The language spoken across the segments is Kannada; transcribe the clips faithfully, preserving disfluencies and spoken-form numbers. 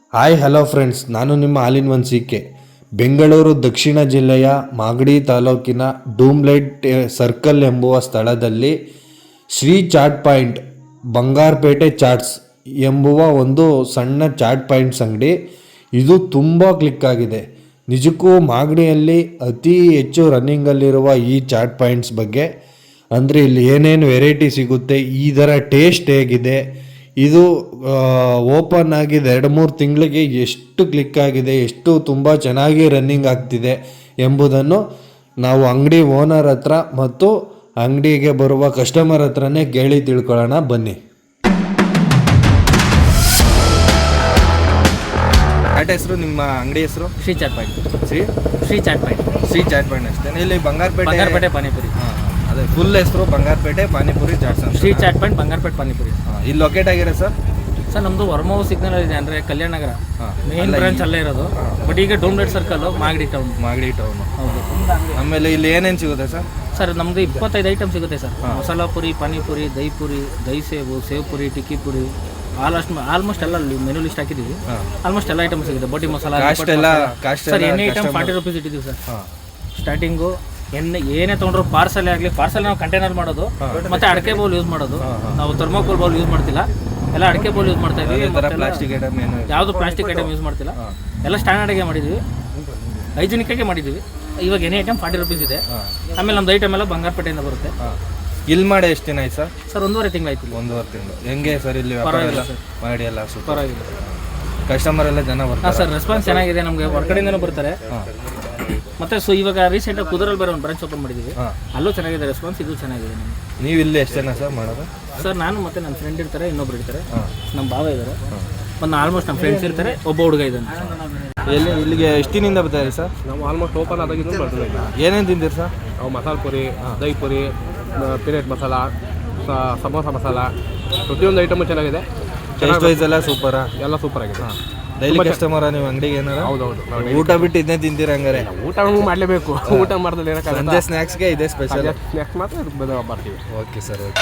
ಹಾಯ್ ಹಲೋ ಫ್ರೆಂಡ್ಸ್, ನಾನು ನಿಮ್ಮ all in one C K. Bengaluru ದಕ್ಷಿಣ ಜಿಲ್ಲೆಯ ಮಾಗಡಿ ತಾಲೂಕಿನ ಡೂಮ್ಲೈಟ್ ಸರ್ಕಲ್ ಎಂಬುವ ಸ್ಥಳದಲ್ಲಿ ಶ್ರೀ ಚಾಟ್ ಪಾಯಿಂಟ್ ಬಂಗಾರಪೇಟೆ ಚಾಟ್ಸ್ ಎಂಬುವ ಒಂದು ಸಣ್ಣ ಚಾಟ್ ಪಾಯಿಂಟ್ಸ್ ಅಂಗಡಿ. ಇದು ತುಂಬ ಕ್ಲಿಕ್ ಆಗಿದೆ. ನಿಜಕ್ಕೂ ಮಾಗಡಿಯಲ್ಲಿ ಅತಿ ಹೆಚ್ಚು ರನ್ನಿಂಗಲ್ಲಿರುವ ಈ ಚಾಟ್ ಪಾಯಿಂಟ್ಸ್ ಬಗ್ಗೆ, ಅಂದರೆ ಇಲ್ಲಿ ಏನೇನು ವೆರೈಟಿ ಸಿಗುತ್ತೆ, ಇದರ ಟೇಸ್ಟ್ ಹೇಗಿದೆ, ಇದು ಓಪನ್ ಆಗಿದೆ ಎರಡು ಮೂರು ತಿಂಗಳಿಗೆ ಎಷ್ಟು ಕ್ಲಿಕ್ ಆಗಿದೆ, ಎಷ್ಟು ತುಂಬ ಚೆನ್ನಾಗಿ ರನ್ನಿಂಗ್ ಆಗ್ತಿದೆ ಎಂಬುದನ್ನು ನಾವು ಅಂಗಡಿ ಓನರ್ ಹತ್ರ ಮತ್ತು ಅಂಗಡಿಗೆ ಬರುವ ಕಸ್ಟಮರ್ ಹತ್ರನೇ ಕೇಳಿ ತಿಳ್ಕೊಳ್ಳೋಣ ಬನ್ನಿ. ಚಾಟ್ ಹೆಸರು, ನಿಮ್ಮ ಅಂಗಡಿ ಹೆಸರು? Shri chaat point. Shri Shri chaat point. Shri chaat point ಅಷ್ಟೇ. ಇಲ್ಲಿ ಬಂಗಾರಪೇಟೆ ಬಂಗಾರಪೇಟೆ ಪಾನಿಪುರಿ. ಹಾಂ, ಅದೇ ಫುಲ್ ಹೆಸರು ಬಂಗಾರಪೇಟೆ ಪಾನಿಪುರಿ ಚಾಟ್ಸ್ ಅಂತ. ಶ್ರೀ ಚಾಟ್ ಪಾಯಿಂಟ್ ಬಂಗಾರಪೇಟೆ ಪಾನಿಪುರಿ. ಹಾಂ, ಇಲ್ಲಿ ಲೊಕೇಟ್ ಆಗಿರೋ ಸರ್? ಸರ್ ನಮ್ಮದು ವರ್ಮೋ ಸಿಗ್ನಲ್ ಇದೆ, ಅಂದರೆ ಕಲ್ಯಾಣ ನಗರ ಮೇನ್ ಬ್ರಾಂಚ್ ಅಲ್ಲೇ ಇರೋದು. ಬಟ್ ಈಗ doom light circle Magadi town. Magadi town. ಹೌದು. ಆಮೇಲೆ ಇಲ್ಲಿ ಏನೇನು ಸಿಗುತ್ತೆ ಸರ್? ಸರ್ ನಮ್ಮದು ಇಪ್ಪತ್ತೈದು ಐಟಮ್ ಸಿಗುತ್ತೆ sir. Masala puri, panipuri, dahi puri, dahi sev, sev puri, tikki puri, almost almost ಎಲ್ಲ ಮೆನು ಲಿಸ್ಟ್ ಹಾಕಿದ್ದೀವಿ. ಆಲ್ಮೋಸ್ಟ್ ಎಲ್ಲ ಐಟಮ್ ಸಿಗುತ್ತೆ. ಬೋಟಿ ಮಸಾಲ ಕಾಸ್ಟ್ ಎಲ್ಲ ಕಾಸ್ಟ್ ಸರ್ ಎಣ್ಣೆ ಐಟಮ್ ಫಾರ್ಟಿ ರುಪೀಸ್ ಇಟ್ಟಿದ್ದೀವಿ ಸರ್. ಸ್ಟಾರ್ಟಿಂಗು ಎಣ್ಣೆ ಏನೇ ತೊಗೊಂಡ್ರು ಪಾರ್ಸಲ್ ಆಗಲಿ, ಪಾರ್ಸಲ್ ನಾವು ಕಂಟೈನರ್ ಮಾಡೋದು, ಮತ್ತೆ ಅಡಿಕೆ ಬೌಲ್ ಯೂಸ್ ಮಾಡೋದು. ನಾವು ಥರ್ಮೋಕೋಲ್ ಬೌಲ್ ಯೂಸ್ ಮಾಡ್ತಿಲ್ಲ, ಎಲ್ಲ ಅಡಿಕೆ ಬೌಲ್ ಯೂಸ್ ಮಾಡ್ತಾ ಇದ್ದೀವಿ. ಪ್ಲಾಸ್ಟಿಕ್ ಐಟಮ್ ಏನು ಯಾವುದು ಪ್ಲಾಸ್ಟಿಕ್ ಐಟಮ್ ಯೂಸ್ ಮಾಡ್ತಿಲ್ಲ, ಎಲ್ಲ ಸ್ಟ್ಯಾಂಡರ್ಡ್ಗೆ ಮಾಡಿದ್ದೀವಿ, ಹೈಜಿನಿಕ್ಕಾಗೆ ಮಾಡಿದ್ದೀವಿ. ಇವಾಗ ಎನಿ ಐಟಮ್ ಫಾರ್ಟಿ ರುಪೀಸ್ ಇದೆ. ಆಮೇಲೆ ನಮ್ದು ಐಟಮ್ ಎಲ್ಲ ಬಂಗಾರಪೇಟೆಯಿಂದ ಬರುತ್ತೆ. ಇಲ್ಲಿ ಮಾಡಿ ಎಷ್ಟು ದಿನ ಆಯ್ತು ಸರ್? ಸರ್ ಒಂದೂವರೆ ತಿಂಗಳಾಯ್ತು. ಒಂದೂವರೆ ತಿಂಗಳು. ಹೆಂಗೆ ಸರ್ ಇಲ್ಲಿ ಪರವಾಗಿಲ್ಲ ಸರ್, ಮಾಡಿ ಎಲ್ಲ ಸೂಪರ್ ಪರವಾಗಿಲ್ಲ. ಕಸ್ಟಮರ್ ಎಲ್ಲ ಜನ ಹಾಂ ಬರ್ತಾರೆ ಸರ್, ರೆಸ್ಪಾನ್ಸ್ ಚೆನ್ನಾಗಿದೆ. ನಮಗೆ ಹೊರಗಡೆಯಿಂದನೂ ಬರ್ತಾರೆ. ಮತ್ತೆ ಸೊ ಇವಾಗ ರೀಸೆಂಟಾಗಿ ಕುದುರಲ್ಲಿ ಬೇರೆ ಒಂದು ಬ್ರಾಂಚ್ ಓಪನ್ ಮಾಡಿದ್ದೀವಿ, ಅಲ್ಲೂ ಚೆನ್ನಾಗಿದೆ ರೆಸ್ಪಾನ್ಸ್, ಇದು ಚೆನ್ನಾಗಿದೆ ನಮಗೆ. ನೀವು ಇಲ್ಲಿ ಎಷ್ಟು ಜನ ಸರ್ ಮಾಡೋದು? ಸರ್ ನಾನು ಮತ್ತೆ ನನ್ನ ಫ್ರೆಂಡ್ ಇರ್ತಾರೆ, ಇನ್ನೊಬ್ರು ಇರ್ತಾರೆ, ನಮ್ಮ ಭಾವ ಇದ್ದಾರೆ, ಒಂದು ಆಲ್ಮೋಸ್ಟ್ ನಮ್ಮ ಫ್ರೆಂಡ್ಸ್ ಇರ್ತಾರೆ, ಒಬ್ಬ ಹುಡುಗ ಇದ್ದಾನೆ. ಎಲ್ಲಿ ಇಲ್ಲಿಗೆ ಎಷ್ಟು ದಿನದಿಂದ ಬರ್ತಾರೆ ಸರ್? ನಾವು ಆಲ್ಮೋಸ್ಟ್ ಓಪನ್ ಆದಾಗಿಂದ ಬರ್ತೀವಿ. ಏನೇನು ತಿಂತೀರಿ ಸರ್? ನಾವು ಮಸಾಲೆ ಪುರಿ, ದಹಿ ಪುರಿ, ಪೀನಟ್ ಮಸಾಲ, ಸಮೋಸ ಮಸಾಲ, ಪ್ರತಿಯೊಂದು ಐಟಮು ಚೆನ್ನಾಗಿದೆ. ಟೇಸ್ಟ್ ವೈಸ್ ಎಲ್ಲ ಸೂಪರಾ? ಎಲ್ಲ ಸೂಪರ್ ಆಗಿದೆ. ಡೈಲಿ ಕಸ್ಟಮರ ನೀವು ಅಂಗಡಿಗೆ ಏನಾರ? ಹೌದೌದು. ಊಟ ಬಿಟ್ಟು ಇದನ್ನೇ ತಿಂತೀರ ಹಂಗಾರೆ? ಊಟ ಮಾಡಲೇಬೇಕು, ಊಟ ಮಾಡಿದ್ರೆ ಏನಕ್ಕೆ ಸಂಜೆ ಸ್ನ್ಯಾಕ್ಸ್ಗೆ ಇದೆ ಸ್ಪೆಷಲ್. ಸ್ನ್ಯಾಕ್ಸ್ ಮಾತ್ರ ಇದಕ್ಕೆ ಬರ್ತೀವಿ. Okay sir, okay.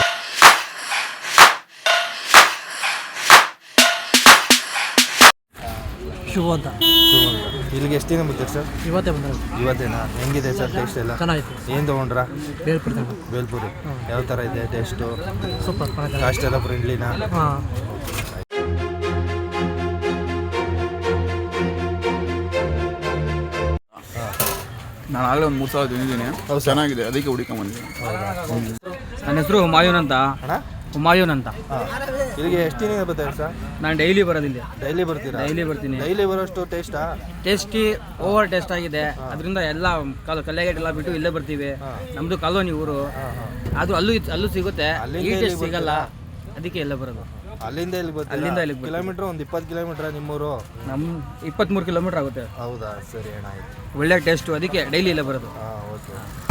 ಶೂ ಅಂತ. ಇಲ್ಲಿಗೆ ಎಷ್ಟು ದಿನ ಬರ್ತೀರಿ ಸರ್? ಇವತ್ತೇ ಬಂದ್ರೆ ಇವತ್ತೇನಾ? ಹೆಂಗಿದೆ ಸರ್ ಟೇಸ್ಟ್ ಎಲ್ಲ? ಚೆನ್ನಾಗಿತ್ತು. ಏನು ತೊಗೊಂಡ್ರಾ? ಬೇಲ್ಪುರಿ. ಬೇಲ್ಪುರಿ ಯಾವ ಥರ ಇದೆ ಟೇಸ್ಟು? ಸೂಪರ್. ಕಾಸ್ಟ್ ಎಲ್ಲ ಫ್ರೆಂಡ್ಲಿನಾ? ಹಾಂ. ನಾನು ಆಗಲೇ ಒಂದು ಮೂರು ಸಾವಿರ ತಿಂದಿದ್ದೀನಿ. ಅದು ಚೆನ್ನಾಗಿದೆ, ಅದಕ್ಕೆ ಹುಡುಕೊಂಬಂದಿದ್ದೀನಿ. ನನ್ನ ಹೆಸರು ಹುಮಾಯೂನ್ ಅಂತ. ಅಣ್ಣ ಹುಮಾಯೂನ್ ಅಂತ. ಇಲ್ಲಿಗೆ ಎಷ್ಟು ದಿನ ಬರ್ತಾರೆ ಸರ್? ನಾನು ಡೈಲಿ ಬರೋದಿಲ್ಲ. ಡೈಲಿ ಬರ್ತೀರಾ? ಡೈಲಿ ಬರ್ತೀನಿ. ಡೈಲಿ ಬರೋಷ್ಟು ಟೇಸ್ಟಾ? ಟೇಸ್ಟಿ, ಓವರ್ ಟೇಸ್ಟ್ ಆಗಿದೆ. ಅದರಿಂದ ಎಲ್ಲ ಕಾಲು ಕಲ್ಯಾಗೇಟ್ ಎಲ್ಲ ಬಿಟ್ಟು ಇಲ್ಲೇ ಬರ್ತೀವಿ. ನಮ್ಮದು ಕಾಲೋನಿ ಊರು, ಅದು ಅಲ್ಲೂ ಅಲ್ಲೂ ಸಿಗುತ್ತೆ, ಈ ಟೇಸ್ಟ್ ಸಿಗಲ್ಲ, ಅದಕ್ಕೆ ಎಲ್ಲ ಬರೋದು. ಅಲ್ಲಿಂದ ಇಲ್ಲಿ ಬರ್ತೀರಾ? ಅಲ್ಲಿಂದ ಇಲ್ಲಿಗೆ ಬರ್ತೀವಿ. ಕಿಲೋಮೀಟ್ರ್ ಒಂದು ಇಪ್ಪತ್ತು ಕಿಲೋಮೀಟ್ರ ನಿಮ್ಮೂರು? ನಮ್ಮ ಇಪ್ಪತ್ತ್ಮೂರು ಕಿಲೋಮೀಟ್ರ್ ಆಗುತ್ತೆ. ಹೌದಾ? ಸರಿ ಅಣ್ಣ, ಆಯ್ತು. ಒಳ್ಳೆ ಟೇಸ್ಟು, ಅದಕ್ಕೆ ಡೈಲಿ ಇಲ್ಲೇ ಬರೋದು. ಹಾಂ, ಓಕೆ.